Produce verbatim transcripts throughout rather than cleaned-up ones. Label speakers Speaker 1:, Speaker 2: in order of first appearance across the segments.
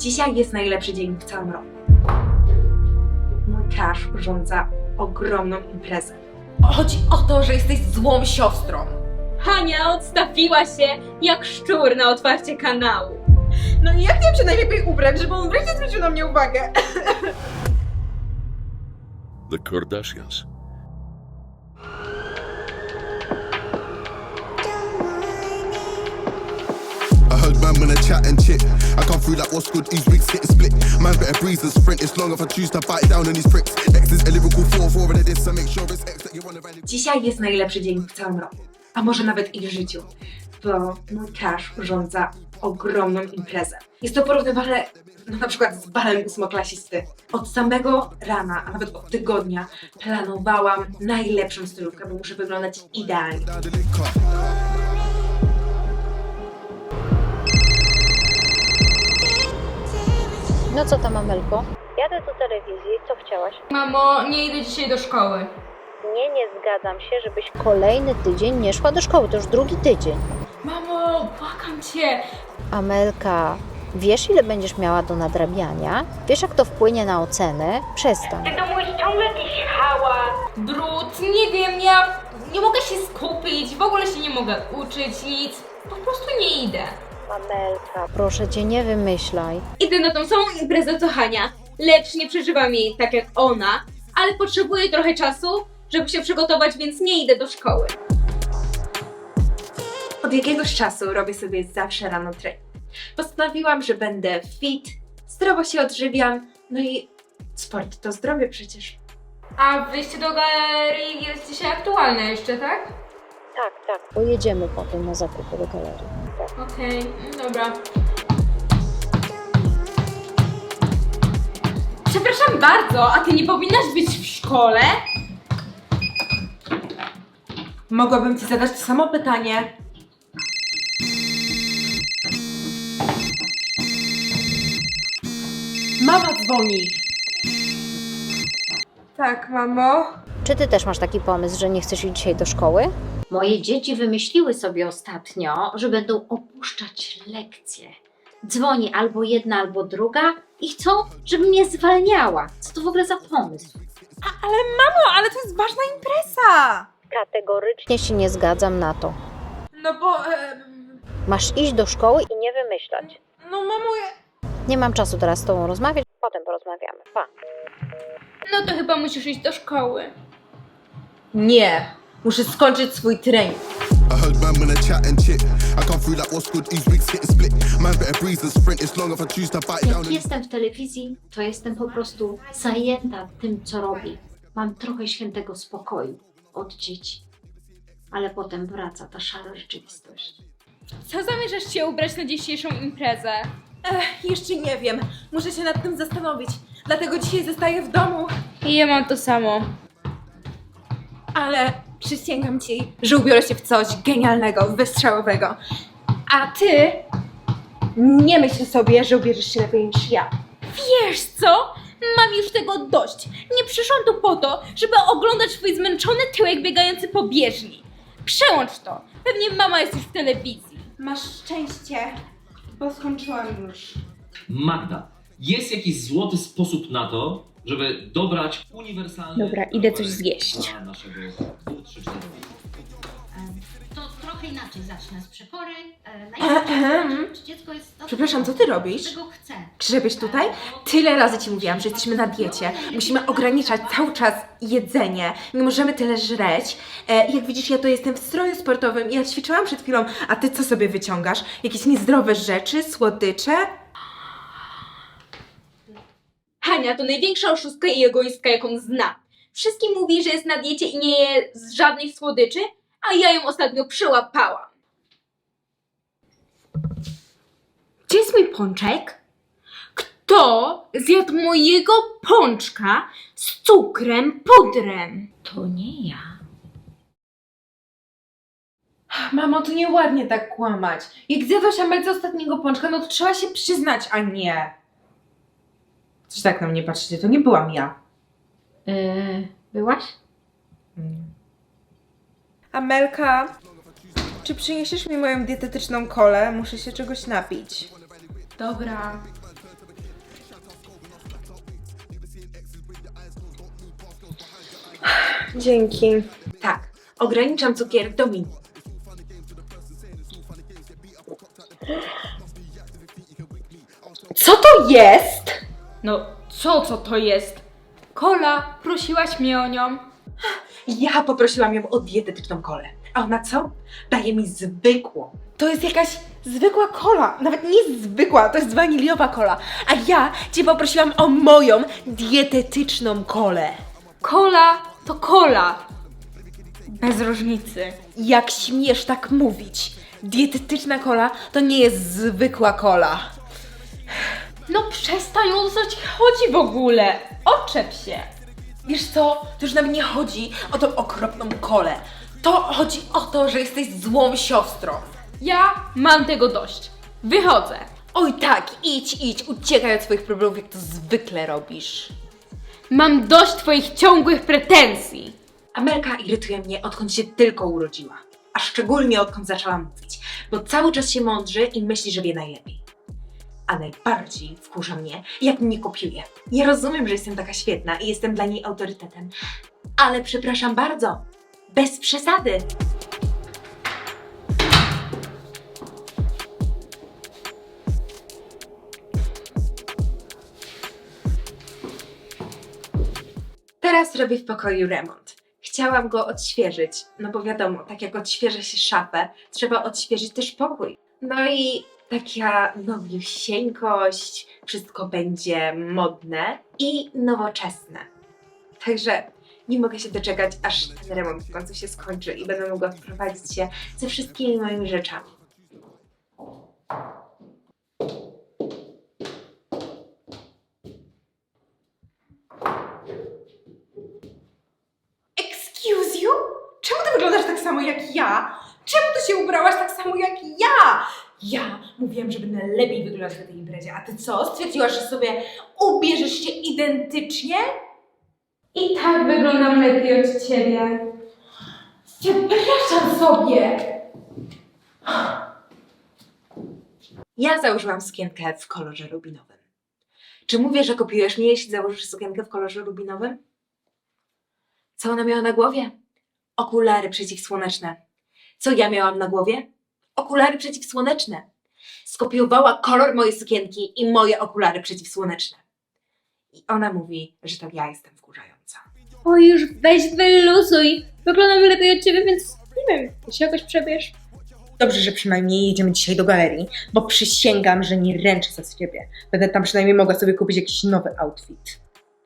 Speaker 1: Dzisiaj jest najlepszy dzień w całym roku. Mój Cash urządza ogromną imprezę.
Speaker 2: Chodzi o to, że jesteś złą siostrą.
Speaker 3: Hania odstawiła się jak szczur na otwarcie kanału.
Speaker 2: No i jak miałem się najlepiej ubrać, żeby on wreszcie zwrócił na mnie uwagę?
Speaker 4: The Kardashians.
Speaker 5: I heard man when I chat and chit. I come through like what's good, these wigs getting split. Man better breeze and sprint. It's long if I choose to bite down on these pricks. X is a lyrical four four of this, so make sure it's X that you wanna value.
Speaker 1: Dzisiaj jest najlepszy dzień w całym roku, a może nawet i w życiu, bo mój Cash urządza ogromną imprezę. Jest to porównywalne no, na przykład z balem ósmoklasisty. Od samego rana, a nawet od tygodnia planowałam najlepszą stylówkę, bo muszę wyglądać idealnie.
Speaker 5: Down the link car.
Speaker 6: No co tam, Amelko? Jadę do telewizji, co chciałaś?
Speaker 2: Mamo, nie idę dzisiaj do szkoły.
Speaker 6: Nie, nie zgadzam się, żebyś kolejny tydzień nie szła do szkoły, to już drugi tydzień.
Speaker 2: Mamo, błagam cię.
Speaker 6: Amelka, wiesz ile będziesz miała do nadrabiania? Wiesz jak to wpłynie na ocenę? Przestań.
Speaker 3: Ty domu jest ciągle jakiś hałas.
Speaker 2: Brud, nie wiem, ja nie mogę się skupić, w ogóle się nie mogę uczyć, nic. Po prostu nie idę.
Speaker 6: Amelka, proszę cię, nie wymyślaj.
Speaker 3: Idę na tą samą imprezę co Hania, lecz nie przeżywam jej tak jak ona, ale potrzebuję trochę czasu, żeby się przygotować, więc nie idę do szkoły.
Speaker 1: Od jakiegoś czasu robię sobie zawsze rano trening. Postanowiłam, że będę fit, zdrowo się odżywiam, no i sport to zdrowie przecież.
Speaker 2: A wyjście do galerii jest dzisiaj aktualne jeszcze, tak?
Speaker 6: Tak, tak. Pojedziemy potem na zakupy do galerii. Tak.
Speaker 2: Okej, dobra. Przepraszam bardzo, a ty nie powinnaś być w szkole?
Speaker 1: Mogłabym ci zadać to samo pytanie. Mama dzwoni.
Speaker 2: Tak, mamo.
Speaker 6: Czy ty też masz taki pomysł, że nie chcesz iść dzisiaj do szkoły?
Speaker 7: Moje dzieci wymyśliły sobie ostatnio, że będą opuszczać lekcje. Dzwoni albo jedna, albo druga i chcą, żebym mnie zwalniała. Co to w ogóle za pomysł?
Speaker 2: Ale mamo, ale to jest ważna impreza!
Speaker 6: Kategorycznie się nie zgadzam na to.
Speaker 2: No bo... E,
Speaker 6: Masz iść do szkoły i nie wymyślać.
Speaker 2: no mamo, ja...
Speaker 6: Nie mam czasu teraz z tobą rozmawiać, potem porozmawiamy. Pa.
Speaker 2: No to chyba musisz iść do szkoły.
Speaker 1: Nie, muszę skończyć swój trening.
Speaker 5: I heard man when I chat and chit. I come through like what's good, these wigs getting split. Man better breeze and sprint. It's long if I choose to bite down on
Speaker 7: Jak
Speaker 5: these.
Speaker 7: jestem w telewizji, to jestem po prostu zajęta tym, co robię. Mam trochę świętego spokoju od dzieci. Ale potem wraca ta szara rzeczywistość.
Speaker 2: Co zamierzasz się ubrać na dzisiejszą imprezę?
Speaker 8: Ech, jeszcze nie wiem. Muszę się nad tym zastanowić. Dlatego dzisiaj zostaję w domu.
Speaker 2: I ja mam to samo.
Speaker 8: Ale przysięgam ci, że ubiorę się w coś genialnego, wystrzałowego. A ty nie myśl sobie, że ubierzesz się lepiej niż ja.
Speaker 2: Wiesz co? Mam już tego dość. Nie przyszłam tu po to, żeby oglądać twój zmęczony tyłek biegający po bieżni. Przełącz to. Pewnie mama jest już w telewizji.
Speaker 8: Masz szczęście, bo skończyłam już.
Speaker 9: Magda, jest jakiś złoty sposób na to, żeby dobrać uniwersalny...
Speaker 3: Dobra, idę coś zjeść.
Speaker 9: ...dla naszego dwóch, trzy, cztery.
Speaker 7: To trochę inaczej zacznę z przepory.
Speaker 8: Ehem.
Speaker 7: Dziecko jest...
Speaker 8: Przepraszam, co ty robisz?
Speaker 7: Czego chce?
Speaker 8: Grzebiesz tutaj? Tyle razy ci mówiłam, że jesteśmy na diecie. Musimy ograniczać cały czas jedzenie. Nie możemy tyle żreć. E, jak widzisz, ja to jestem w stroju sportowym i ja ćwiczyłam przed chwilą, a ty co sobie wyciągasz? Jakieś niezdrowe rzeczy, słodycze?
Speaker 3: Hania to największa oszustka i egoistka, jaką znam. Wszystkim mówi, że jest na diecie i nie je z żadnych słodyczy, a ja ją ostatnio przyłapałam.
Speaker 2: Gdzie jest mój pączek? Kto zjadł mojego pączka z cukrem pudrem?
Speaker 7: To nie ja.
Speaker 8: Mamo, to nieładnie tak kłamać. Jak zjadłaś Amelce ostatniego pączka, no to trzeba się przyznać, a nie. Coś tak na mnie patrzycie, to nie byłam ja.
Speaker 7: Yy, byłaś?
Speaker 8: Amelka, czy przyniesiesz mi moją dietetyczną kolę? Muszę się czegoś napić.
Speaker 2: Dobra.
Speaker 1: Dzięki. Tak, ograniczam cukier do minimum.
Speaker 8: Co to jest?
Speaker 2: No co, co to jest? Kola, prosiłaś mnie o nią.
Speaker 1: Ja poprosiłam ją o dietetyczną kolę. A ona co? Daje mi zwykłą.
Speaker 8: To jest jakaś zwykła kola, nawet nie zwykła, to jest waniliowa kola. A ja cię poprosiłam o moją dietetyczną kolę.
Speaker 2: Kola to kola. Bez różnicy.
Speaker 8: Jak śmiesz tak mówić? Dietetyczna kola to nie jest zwykła kola.
Speaker 2: No przestań, o co ci chodzi w ogóle? Oczep się.
Speaker 8: Wiesz co, to już nawet nie chodzi o tą okropną kolę. To chodzi o to, że jesteś złą siostrą.
Speaker 2: Ja mam tego dość. Wychodzę.
Speaker 8: Oj tak, idź, idź, uciekaj od swoich problemów, jak to zwykle robisz.
Speaker 2: Mam dość twoich ciągłych pretensji.
Speaker 1: Amelka irytuje mnie, odkąd się tylko urodziła. A szczególnie odkąd zaczęła mówić, bo cały czas się mądrzy i myśli, że wie najlepiej. A najbardziej wkurza mnie, jak mnie kopiuje. Ja rozumiem, że jestem taka świetna i jestem dla niej autorytetem, ale przepraszam bardzo, bez przesady. Teraz robię w pokoju remont. Chciałam go odświeżyć, no bo wiadomo, tak jak odświeża się szafę, trzeba odświeżyć też pokój. No i taka nowiusieńkość, wszystko będzie modne i nowoczesne. Także nie mogę się doczekać, aż ten remont w końcu się skończy i będę mogła wprowadzić się ze wszystkimi moimi rzeczami.
Speaker 8: Excuse you? Czemu ty wyglądasz tak samo jak ja? Czemu ty się ubrałaś tak samo jak ja? Ja mówiłam, że będę lepiej wyglądać na tej imprezie, a ty co? Stwierdziłaś, że sobie ubierzesz się identycznie?
Speaker 2: I tak wyglądam lepiej od ciebie.
Speaker 8: Przepraszam sobie!
Speaker 1: Ja założyłam sukienkę w kolorze rubinowym. Czy mówię, że kopiujesz mnie, jeśli założysz sukienkę w kolorze rubinowym? Co ona miała na głowie? Okulary przeciwsłoneczne. Co ja miałam na głowie? Okulary przeciwsłoneczne. Skopiowała kolor mojej sukienki i moje okulary przeciwsłoneczne. I ona mówi, że to ja jestem wkurzająca.
Speaker 3: Oj, już weź wyluzuj. Wyglądam lepiej od ciebie, więc nie wiem, ty się jakoś przebierz.
Speaker 8: Dobrze, że przynajmniej jedziemy dzisiaj do galerii, bo przysięgam, że nie ręczę za ciebie. Będę tam przynajmniej mogła sobie kupić jakiś nowy outfit.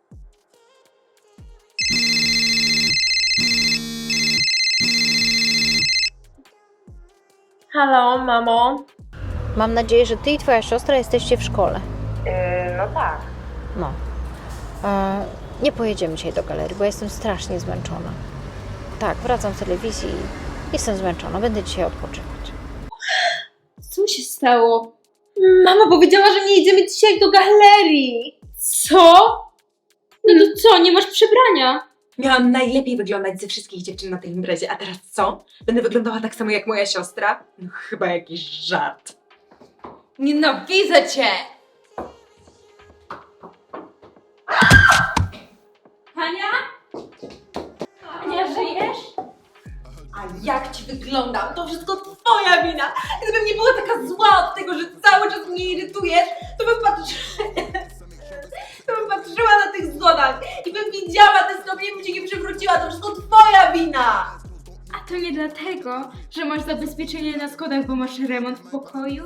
Speaker 3: Halo, mamo.
Speaker 6: Mam nadzieję, że ty i twoja siostra jesteście w szkole.
Speaker 1: no tak.
Speaker 6: No. E, nie pojedziemy dzisiaj do galerii, bo jestem strasznie zmęczona. Tak, wracam z telewizji i jestem zmęczona. Będę dzisiaj odpoczywać.
Speaker 3: Co się stało? Mama powiedziała, że nie jedziemy dzisiaj do galerii. Co? No to co, nie masz przebrania?
Speaker 1: Miałam najlepiej wyglądać ze wszystkich dziewczyn na tej imprezie, a teraz co? Będę wyglądała tak samo jak moja siostra? No chyba jakiś żart.
Speaker 8: Nienawidzę cię!
Speaker 2: Hania? Hania, żyjesz?
Speaker 8: A jak ci wyglądam? To wszystko twoja wina! Gdybym nie była taka zła od tego, że cały czas mnie irytujesz, to bym patrzyła, to bym patrzyła na tych schodach i bym widziała te stopnie, bym się nie przewróciła. To wszystko twoja wina!
Speaker 2: A to nie dlatego, że masz zabezpieczenie na schodach, bo masz remont w pokoju?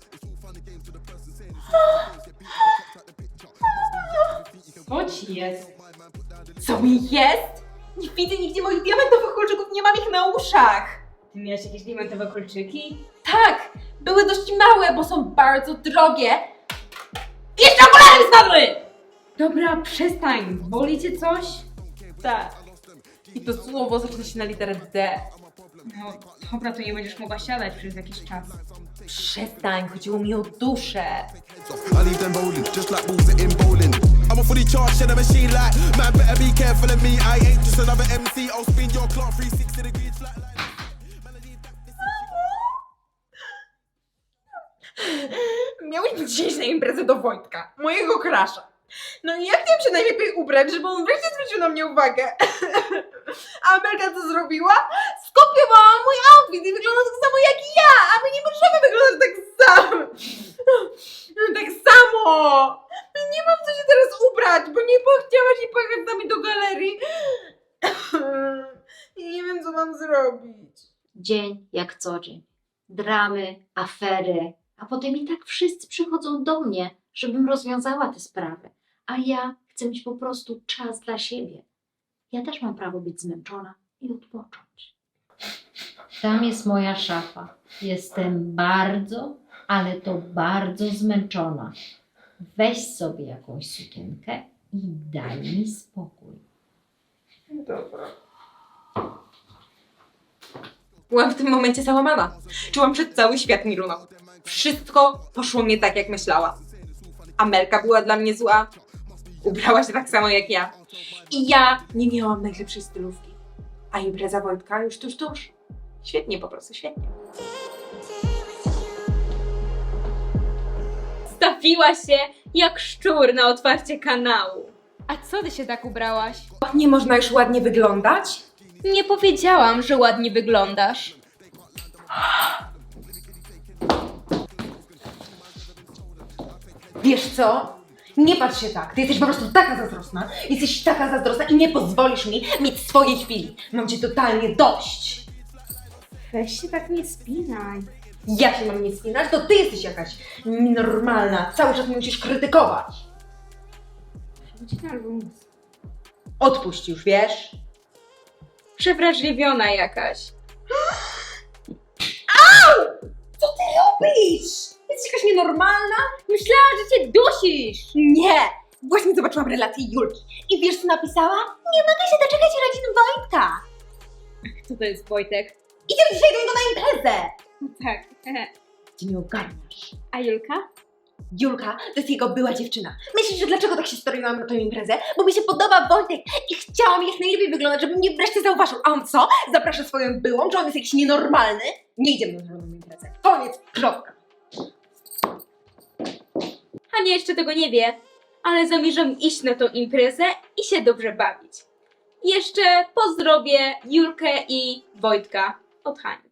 Speaker 2: Co ci jest?
Speaker 8: Co mi jest? Nie widzę nigdzie moich diamentowych kolczyków, nie mam ich na uszach!
Speaker 2: Ty miałeś jakieś diamentowe kolczyki?
Speaker 8: Tak! Były dość małe, bo są bardzo drogie. I jeszcze okulary mi spadły!
Speaker 2: Dobra, przestań. Boli cię coś?
Speaker 8: Tak. I to słowo zaczyna się na literę D.
Speaker 2: No dobra, to nie będziesz mogła siadać przez jakiś czas.
Speaker 8: Przestań, chodziło mi o duszę.
Speaker 5: I leave them rolling, just like balls in bowling. I'm a fully charged in a machine like man, better be careful of me. I ain't just another M C. I'll spin your clock three sixty degrees like like.
Speaker 8: Miałeś być dzisiaj na imprezę do Wojtka, mojego krasza. No i ja chciałam się najlepiej ubrać, żeby on wreszcie zwrócił na mnie uwagę. A Amelka co zrobiła? Skopiowała mój outfit i wygląda tak samo jak ja, a my nie możemy wyglądać tak samo. Tak samo. Nie mam co się teraz ubrać, bo nie chciałaś jej pojechać z nami do galerii. I nie wiem, co mam zrobić.
Speaker 7: Dzień jak co dzień. Dramy, afery, a potem i tak wszyscy przychodzą do mnie, żebym rozwiązała te sprawy. A ja chcę mieć po prostu czas dla siebie. Ja też mam prawo być zmęczona i odpocząć. Tam jest moja szafa. Jestem bardzo, ale to bardzo zmęczona. Weź sobie jakąś sukienkę i daj mi spokój.
Speaker 8: Dobra.
Speaker 1: Byłam w tym momencie załamana. Czułam, że cały świat mi runął. Wszystko poszło nie tak, jak myślałam. Amelka była dla mnie zła. Ubrała się tak samo jak ja. I ja nie miałam najlepszej stylówki. A impreza Wojtka już tuż, tuż. Świetnie, po prostu świetnie.
Speaker 3: Stawiła się jak szczur na otwarcie kanału.
Speaker 2: A co ty się tak ubrałaś?
Speaker 1: Nie można już ładnie wyglądać?
Speaker 2: Nie powiedziałam, że ładnie wyglądasz.
Speaker 8: Wiesz co? Nie patrz się tak. Ty jesteś po prostu taka zazdrosna. Jesteś taka zazdrosna i nie pozwolisz mi mieć swojej chwili. Mam cię totalnie dość.
Speaker 3: Weź się tak nie spinaj.
Speaker 8: Ja się mam nie spinać, to ty jesteś jakaś nienormalna. Cały czas mnie musisz krytykować.
Speaker 3: Chodź na luz.
Speaker 8: Odpuść już, wiesz?
Speaker 3: Przewrażliwiona jakaś.
Speaker 8: Robisz! Jesteś jakaś nienormalna?
Speaker 3: Myślałam, że cię dusisz.
Speaker 8: Nie! Właśnie zobaczyłam relację Julki. I wiesz co napisała? Nie mogę się doczekać urodzin Wojtka.
Speaker 3: Co to jest Wojtek?
Speaker 8: Idziemy dzisiaj do niego na imprezę.
Speaker 3: Tak.
Speaker 8: Ty nie ogarniasz.
Speaker 3: A Julka?
Speaker 8: Julka to jest jego była dziewczyna. Myślisz, że dlaczego tak się stroiłam na tę imprezę? Bo mi się podoba Wojtek i chciałam jak najlepiej wyglądać, żeby mnie wreszcie zauważył. A on co? Zaprasza swoją byłą? Czy on jest jakiś nienormalny? Nie idziemy na żadną imprezę. Koniec. Kropka.
Speaker 3: Hania jeszcze tego nie wie, ale zamierzam iść na tą imprezę i się dobrze bawić. Jeszcze pozdrowię Julkę i Wojtka od Hani.